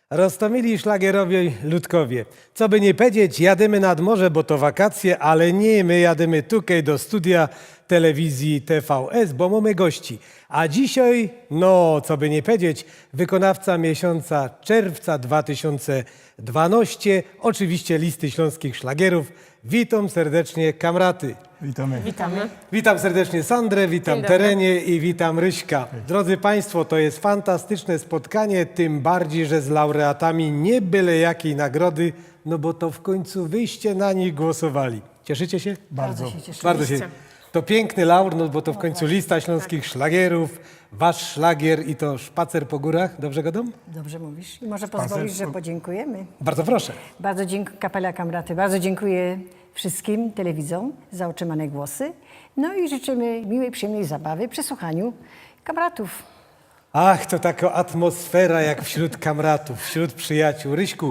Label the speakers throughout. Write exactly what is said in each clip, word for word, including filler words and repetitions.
Speaker 1: Roztomili szlagierowi ludkowie. Co by nie powiedzieć, jadymy nad morze, bo to wakacje, ale nie, my jadymy tutaj do studia telewizji T V S, bo mamy gości. A dzisiaj, no, co by nie powiedzieć, wykonawca miesiąca czerwca dwa tysiące dwunastego, oczywiście listy śląskich szlagierów. Witam serdecznie kamraty.
Speaker 2: Witamy.
Speaker 3: Witamy.
Speaker 1: Witam serdecznie Sandrę, witam
Speaker 3: Dzień dobry.
Speaker 1: Terenie i witam Ryśka. Drodzy Państwo, to jest fantastyczne spotkanie, tym bardziej, że z laureatami nie byle jakiej nagrody, no bo to w końcu wyście na nich głosowali. Cieszycie się?
Speaker 2: Bardzo.
Speaker 3: się cieszę.
Speaker 1: Bardzo się. To piękny laur, no bo to w końcu lista śląskich szlagierów, wasz szlagier i to Szpacer po górach. Dobrze gadam?
Speaker 3: Dobrze mówisz. I może pozwolisz, że
Speaker 2: po-
Speaker 3: podziękujemy.
Speaker 1: Bardzo proszę.
Speaker 3: Bardzo dziękuję, kapela Kamraty, bardzo dziękuję wszystkim telewidzom za otrzymane głosy. No i życzymy miłej, przyjemnej zabawy przy słuchaniu kamratów.
Speaker 1: Ach, to taka atmosfera jak wśród kamratów, wśród przyjaciół. Ryśku,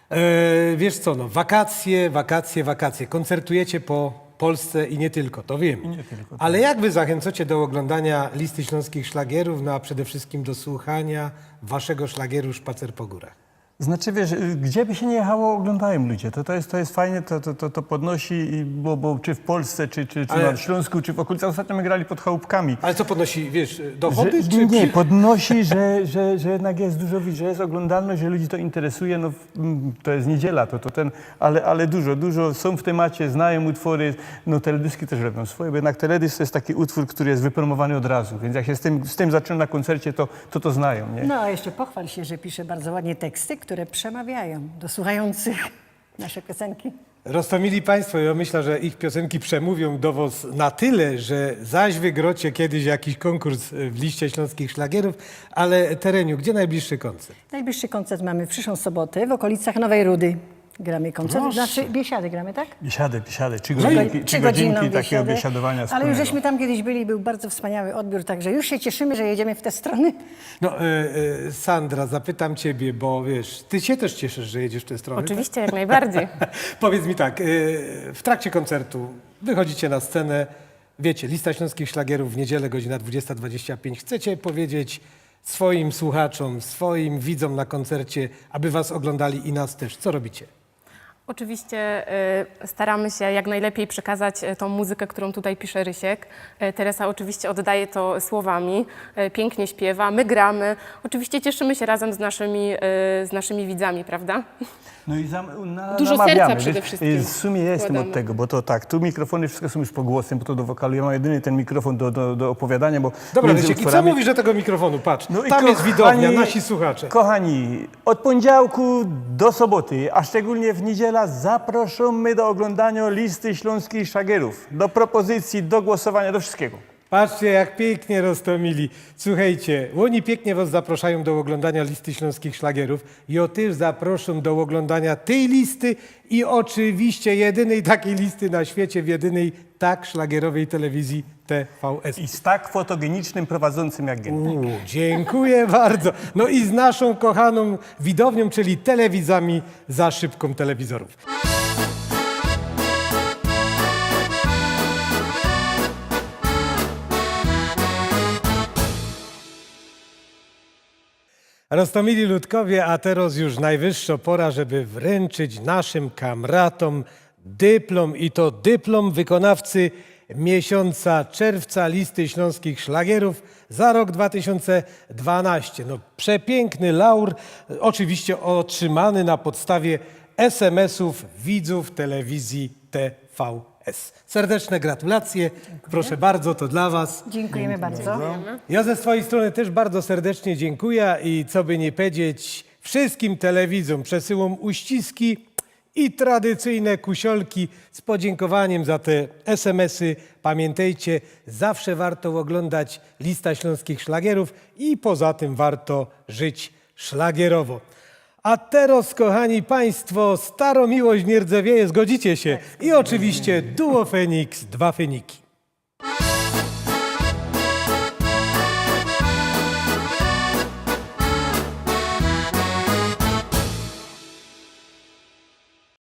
Speaker 1: e, wiesz co, no, wakacje, wakacje, wakacje. Koncertujecie po Polsce i nie tylko, to wiem.
Speaker 2: nie tylko, tak.
Speaker 1: Ale jak wy zachęcacie do oglądania listy śląskich szlagierów, no a przede wszystkim do słuchania waszego szlagieru Szpacer po górach?
Speaker 2: Znaczy, wiesz, gdzie by się nie jechało, oglądają ludzie. To, to, jest, to jest fajnie, to, to, to, to podnosi, i- bo, bo czy w Polsce, czy, czy, czy
Speaker 1: Ale-
Speaker 2: na Śląsku, czy w okolicach. Ostatnio my grali pod chałupkami.
Speaker 1: Ale co podnosi, wiesz,
Speaker 2: Że,
Speaker 1: dochody? czy
Speaker 2: nie, podnosi, że, że, że jednak jest dużo, że jest oglądalność, że ludzi to interesuje. No, mm, to jest niedziela, to, to ten, ale, ale dużo, dużo są w temacie, znają utwory. No, teledyski też robią swoje, bo jednak teledysk to jest taki utwór, który jest wypromowany od razu. Więc jak się z tym, z tym zaczyna na koncercie, to to, to znają, nie?
Speaker 3: No a jeszcze pochwal się, że pisze bardzo ładnie teksty, które przemawiają do słuchających nasze piosenki.
Speaker 1: Roztomili Państwo, ja myślę, że ich piosenki przemówią do was na tyle, że zaś wygrocie kiedyś jakiś konkurs w liście śląskich szlagierów, ale Tereniu, gdzie najbliższy koncert?
Speaker 3: Najbliższy koncert mamy w przyszłą sobotę w okolicach Nowej Rudy. Gramy koncert,
Speaker 1: Proszę.
Speaker 3: znaczy Biesiady gramy, tak?
Speaker 2: Biesiady, biesiady, trzy
Speaker 3: Trzy
Speaker 2: godzinki,
Speaker 3: go-
Speaker 2: trzy
Speaker 3: godzinną
Speaker 2: godzinki takiego
Speaker 3: biesiadę.
Speaker 2: biesiadowania
Speaker 3: Ale
Speaker 2: wspólnego.
Speaker 3: już żeśmy tam kiedyś byli, był bardzo wspaniały odbiór, także już się cieszymy, że jedziemy w te strony.
Speaker 1: No, e, e, Sandra, zapytam ciebie, bo wiesz, ty się też cieszysz, że jedziesz w tę stronę.
Speaker 4: Oczywiście, jak najbardziej.
Speaker 1: Tak? Powiedz mi tak, e, w trakcie koncertu wychodzicie na scenę, wiecie, lista śląskich szlagierów w niedzielę, godzina dwudziesta dwadzieścia pięć. Chcecie powiedzieć swoim słuchaczom, swoim widzom na koncercie, aby was oglądali i nas też. Co robicie?
Speaker 4: Oczywiście y, staramy się jak najlepiej przekazać y, tą muzykę, którą tutaj pisze Rysiek. Y, Teresa oczywiście oddaje to słowami, y, pięknie śpiewa, my gramy. Oczywiście cieszymy się razem z naszymi, y, z naszymi widzami, prawda?
Speaker 2: No i zam, na,
Speaker 4: Dużo
Speaker 2: namawiamy,
Speaker 4: serca
Speaker 2: wiesz,
Speaker 4: przede wszystkim
Speaker 2: y, W sumie ja jestem
Speaker 4: wkładamy.
Speaker 2: od tego, bo to tak, tu mikrofony wszystko są już pogłosem, bo to do wokalu. Ja mam jedyny ten mikrofon do, do, do opowiadania, bo
Speaker 1: Dobra,
Speaker 2: między
Speaker 1: Rysiek, i co
Speaker 2: utworami-
Speaker 1: mówisz do tego mikrofonu? Patrz,
Speaker 2: No i
Speaker 1: tam jest
Speaker 2: kochani-
Speaker 1: widownia, nasi słuchacze.
Speaker 2: Kochani, od poniedziałku do soboty, a szczególnie w niedziela zapraszamy do oglądania listy śląskich szlagierów, do propozycji, do głosowania, do wszystkiego.
Speaker 1: Patrzcie, jak pięknie roztomili. Słuchajcie, oni pięknie was zapraszają do oglądania listy śląskich szlagierów. Ja też zaproszę do oglądania tej listy i oczywiście jedynej takiej listy na świecie, w jedynej tak szlagierowej telewizji T V S.
Speaker 2: I z tak fotogenicznym prowadzącym jak Gentek.
Speaker 1: U, dziękuję bardzo. No i z naszą kochaną widownią, czyli telewizami za szybką telewizorów. Roztomili ludkowie, a teraz już najwyższa pora, żeby wręczyć naszym kamratom dyplom i to dyplom wykonawcy miesiąca czerwca listy śląskich szlagierów za rok dwa tysiące dwunasty. No, przepiękny laur, oczywiście otrzymany na podstawie es em esów widzów telewizji T V S. Serdeczne gratulacje, proszę bardzo, to dla was.
Speaker 3: Dziękujemy bardzo.
Speaker 1: Ja ze swojej strony też bardzo serdecznie dziękuję i co by nie powiedzieć, wszystkim telewidzom przesyłam uściski i tradycyjne kusiolki z podziękowaniem za te es em esy. Pamiętajcie, zawsze warto oglądać lista śląskich szlagierów i poza tym warto żyć szlagierowo. A teraz, kochani Państwo, Staromiłość nie rdzewieje, zgodzicie się? I oczywiście Duo Feniks, dwa Feniki.